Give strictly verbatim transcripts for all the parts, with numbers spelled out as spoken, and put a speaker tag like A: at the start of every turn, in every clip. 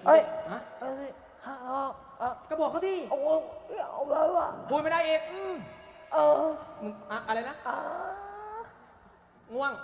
A: เอ้ย
B: ฮะ
A: เอ้ยฮะเออ
B: ก็บอกเขาสิ
A: โอ้ยเอาแล้วอ่ะ
B: พูดไม่ได้อีก
A: เออ
B: มึงอะอะไรนะ
A: อ่า
B: ง่วง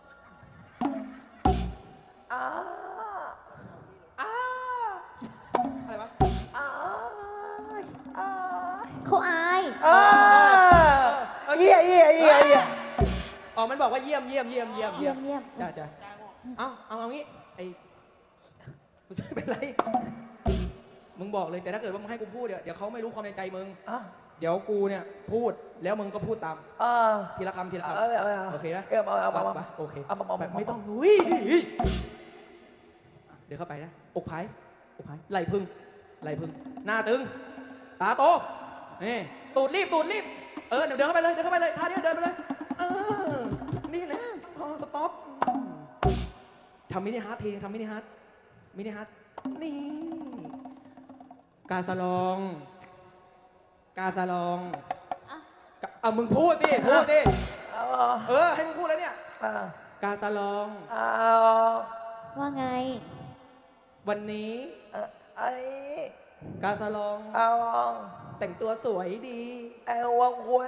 A: อ่า
B: อ้าอะไรวะ
A: อ่าอ่า
C: เขาอาย
A: อ่าเยี่ยเยี่ยเยี่ยเยี่ย
B: อ๋อมันบอกว่าเยี่ยมเยี่ยมเยี่ยมเยี่ยม
C: เยี่ยมเยี่ยม
B: จ้าจ้าเอาเอาเอางี้ไอ้กูจะเป็นไรมึงบอกเลยแต่ถ้าเกิดว่ามึงให้กูพูดเดี๋ยวเดี๋ยวเขาไม่รู้ความในใจมึง
A: อ่ะ
B: เดี๋ยวกูเนี่ยพูดแล้วมึงก็พูดตาม
A: อ่า
B: ทีละคำทีละคำ
A: เอาเอาเอา
B: โอเคนะ
A: เอาเอาเอาเอา
B: ไปโอเค
A: เอาเอาเอา
B: แบบไม่ต้อง
A: เอา
B: อุ้ยเดี๋ยวเข้าไปนะอกไผ่อกไผ่ไหลพึ่งไหลพึ่งหน้าตึงตาโตนี่ตูดรีบตูดรีบเออเดี๋ยวเดินเข้าไปเลยเดินเข้าไปเลยท่านี้เดินไปเลยเออนี่แหละพอสต็อปทำมินิฮาร์ททีทำมินิฮาร์ทมินิฮาร์ทนี่กาสลองกาสลอง
C: อ่ะ
B: กะเอามึงพูดสิพูดสิ
A: เอา
B: เออให้มึงพูดแล้วเนี่ย
A: เอา
B: กาสลอง
A: เอา
C: ว่าไง
B: วันนี้
A: เอาไอ้
B: กาสลอง
A: เอา
B: แต่งตัวสวยดี
A: เอาวางไว้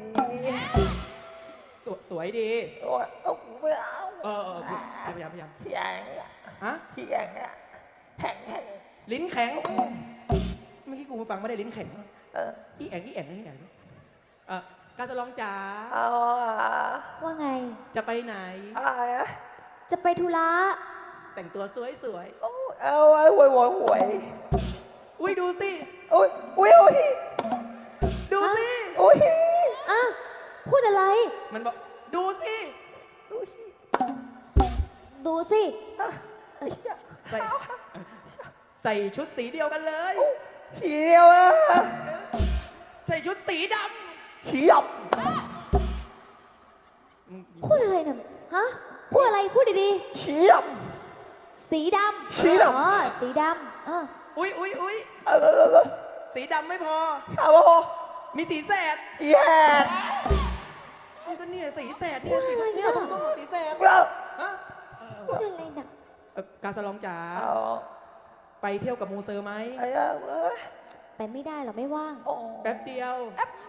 B: สวยสวยดี
A: เอาเอาไม่เอา
B: เออเออพยายามพยายาม
A: เหี้ยงอ่ะ
B: ฮะ
A: เหี้ยงอ่ะแห้งแห้ง
B: ลิ้นแข็งเมื่อกี้กูฟังไม่ได้ลิ้นแข็ง
A: เออ
B: อีแองอีแองอีแองเออกาสลองจ๋า
A: เอาอ่ะ
C: ว่าไง
B: จะไปไหน
A: อะไรอ่ะ
C: จะไปธุระ
B: แต่งตัวสวยสวย
A: เอาเอาไว้หวยหวยหวย
B: อุ้ยดูสิ
A: โอ้ยโอ้ยโอ้ย
B: ดูสิ
A: โอ้ย
C: อ่ะ พูดอะไร
B: มันบอกดูสิ
A: โอ้ย
C: ดูสิ
A: อ่ะ
B: ใส่ใส่ชุดสีเดียวกันเลย
A: เขียวอ่ะ
B: ใส่ชุดสีด
A: เขียว
B: ำมึง
C: พูดอะไรเนี่ยฮะ พูดอะไร พูดดี
A: เขียว
C: ๆ สีดำ
A: สีดำ
C: อ๋อ สีดำเออ
B: อุ้ยอุ้ยอุ้ย
A: เออเออเออ
B: สีดำไม่พอ
A: เอาโอ้
B: มีสีแสด
A: แย่
B: นี่ก็เนี่ยสีแสดเนี่ยสีเนี่ยส้มๆสีแสด
A: เออ
B: ฮะ
C: พูดอะไรหนัก
B: เอ่อกาสลองจ๋า
A: เอา
B: ไปเที่ยวกับมูเซอร์ไหม
A: ไอ้อะเอ้ย
C: ไปไม่ได้หรอ ไม่ว่าง
A: โอ้
B: แป๊บเดียว
A: แป๊บ